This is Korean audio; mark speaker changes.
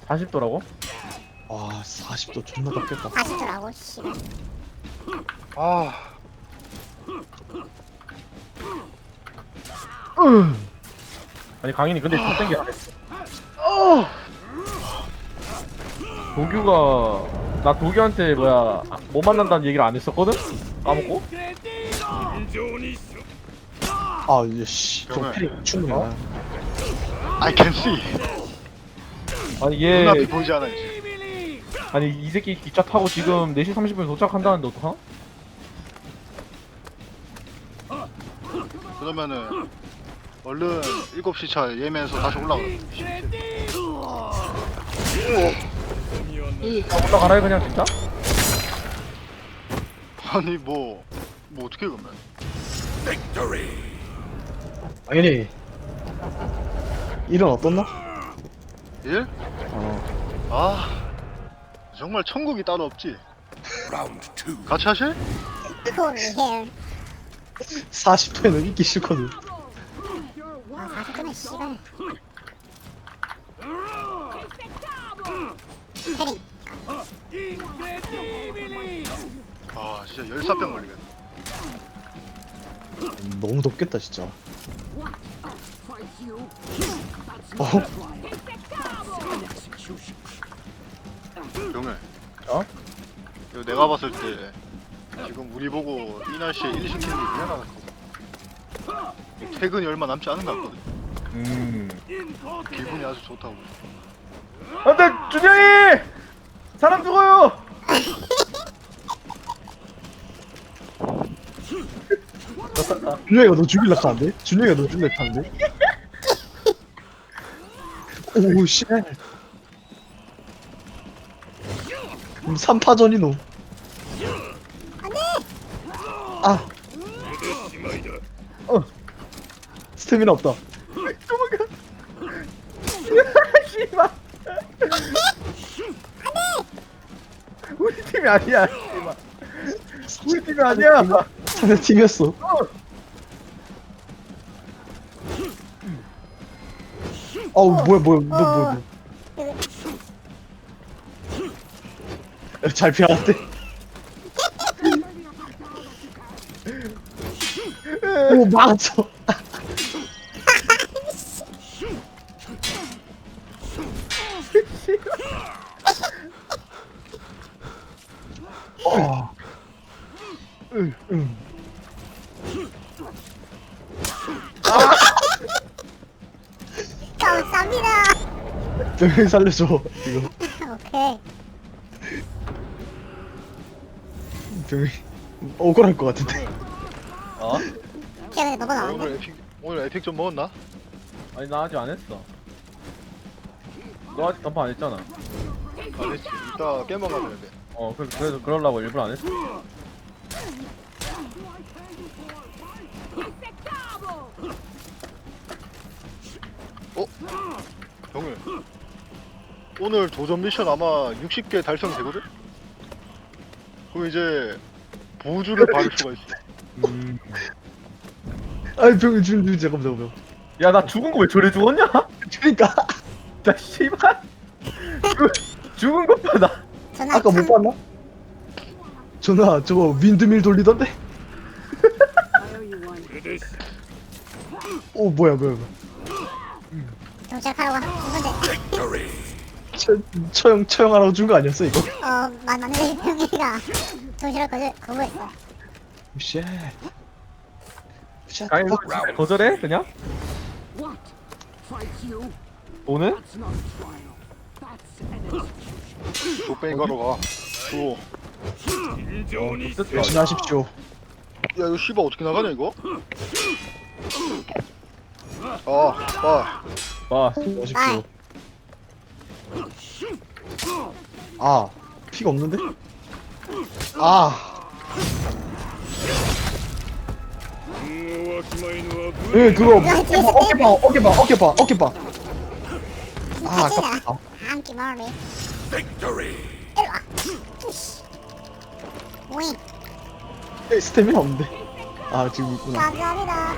Speaker 1: 40도라고?
Speaker 2: 아 40도 존나 덥겠다.
Speaker 3: 40도라고 씨발.
Speaker 4: 아,
Speaker 1: 아니 강인이 근데 첫 땡기 안 했어.
Speaker 4: 어,
Speaker 1: 도규가 나 도규한테 뭐야 못 만난다는 얘기를 안 했었거든? 까먹고?
Speaker 2: 아 이씨 좀
Speaker 4: 병을.
Speaker 2: 패링 충분해.
Speaker 4: I can see.
Speaker 1: 아니 얘
Speaker 4: 눈앞이 보이지 않아 이제.
Speaker 1: 아니 이 새끼 기차 타고 지금 4시 30분에 도착한다는데 어떡하?
Speaker 4: 그러면은 얼른 7시 차 예매해서 다시 올라가.
Speaker 1: 올라가라 그냥 진짜?
Speaker 4: 아니 뭐 어떻게 그러면?
Speaker 2: 당연히 일은 어떻나?
Speaker 4: 일?
Speaker 2: 어
Speaker 4: 아, 정말 천국이 따로 없지. 같이 하실?
Speaker 3: Cool here.
Speaker 2: 40도에는 있기 싫거든.
Speaker 3: 아 40도면 씨발. 패링.
Speaker 4: 아, 진짜 열사병 걸리겠네.
Speaker 2: 너무 덥겠다 진짜. 어?
Speaker 4: 병을.
Speaker 1: 어?
Speaker 4: 이거 내가 봤을 때 지금 우리 보고 이 날씨에 일 시키는 게 미안하다. 퇴근이 얼마 남지 않은 것 같거든. 기분이 아주 좋다고.
Speaker 1: 안돼 준영이! 사람 죽어요!
Speaker 2: 준영이가 너 죽일라 하는데? 준영이가 너 죽일라 하는데? 오우 쉣. 3파전이노. 아. 스태미나 없다.
Speaker 1: 도망가. 씨발. 우리 팀이 아니야. 씨발. 우리 팀이 아니야.
Speaker 2: 상대 팀이었어. 어우 뭐야 너 잘 피하갔대. 오 막았어. 어. 응.
Speaker 3: 감사합니다.
Speaker 2: 병이 살려줘 이거.
Speaker 3: 오케이.
Speaker 2: 병이 억울할 것 같은데.
Speaker 1: 어?
Speaker 3: 걔 근데 너가 나왔네.
Speaker 4: 오늘 에픽 좀 먹었나?
Speaker 1: 아니 나 아직 안 했어. 너 아직 던파 안 했잖아.
Speaker 4: 안 했지. 이따 깨먹어야 되는데.
Speaker 1: 그래서 그러려고 일부러 안 했어.
Speaker 4: 병을. 오늘 도전 미션 아마 60개 달성되거든? 그럼 이제 보주를 받을 수가 있어.
Speaker 2: 아이 병이 잠깐만.
Speaker 1: 야 나 죽은 거 왜 저래 죽었냐?
Speaker 2: 그러니까
Speaker 1: 나 씨발. 죽은 것보다.
Speaker 3: 전화
Speaker 2: 아까 못 봤나? 전화 저거 윈드밀 돌리던데? 오 뭐야
Speaker 3: 정착하라고 한 건데.
Speaker 2: 처형하라고 준 거 아니었어 이거?
Speaker 3: 맞는데 형이가 도시락 거부했어.
Speaker 2: 쉣. 쉣.
Speaker 1: 아니 거절해 그냥? 오늘?
Speaker 4: 족뱅이 가러 가. 또.
Speaker 2: 열심히 하십시오.
Speaker 4: 야, 이거 씨발 어떻게 나가냐, 이거? 아,
Speaker 1: 와
Speaker 2: 하십시오. 아 피가 없는데? 아. 예 그거 어깨봐. 아 아깝다.
Speaker 3: 한끼 머리. 일로와. 윙.
Speaker 2: 스태미나 없는데. 아 지금 있구나.
Speaker 3: 감사합니다.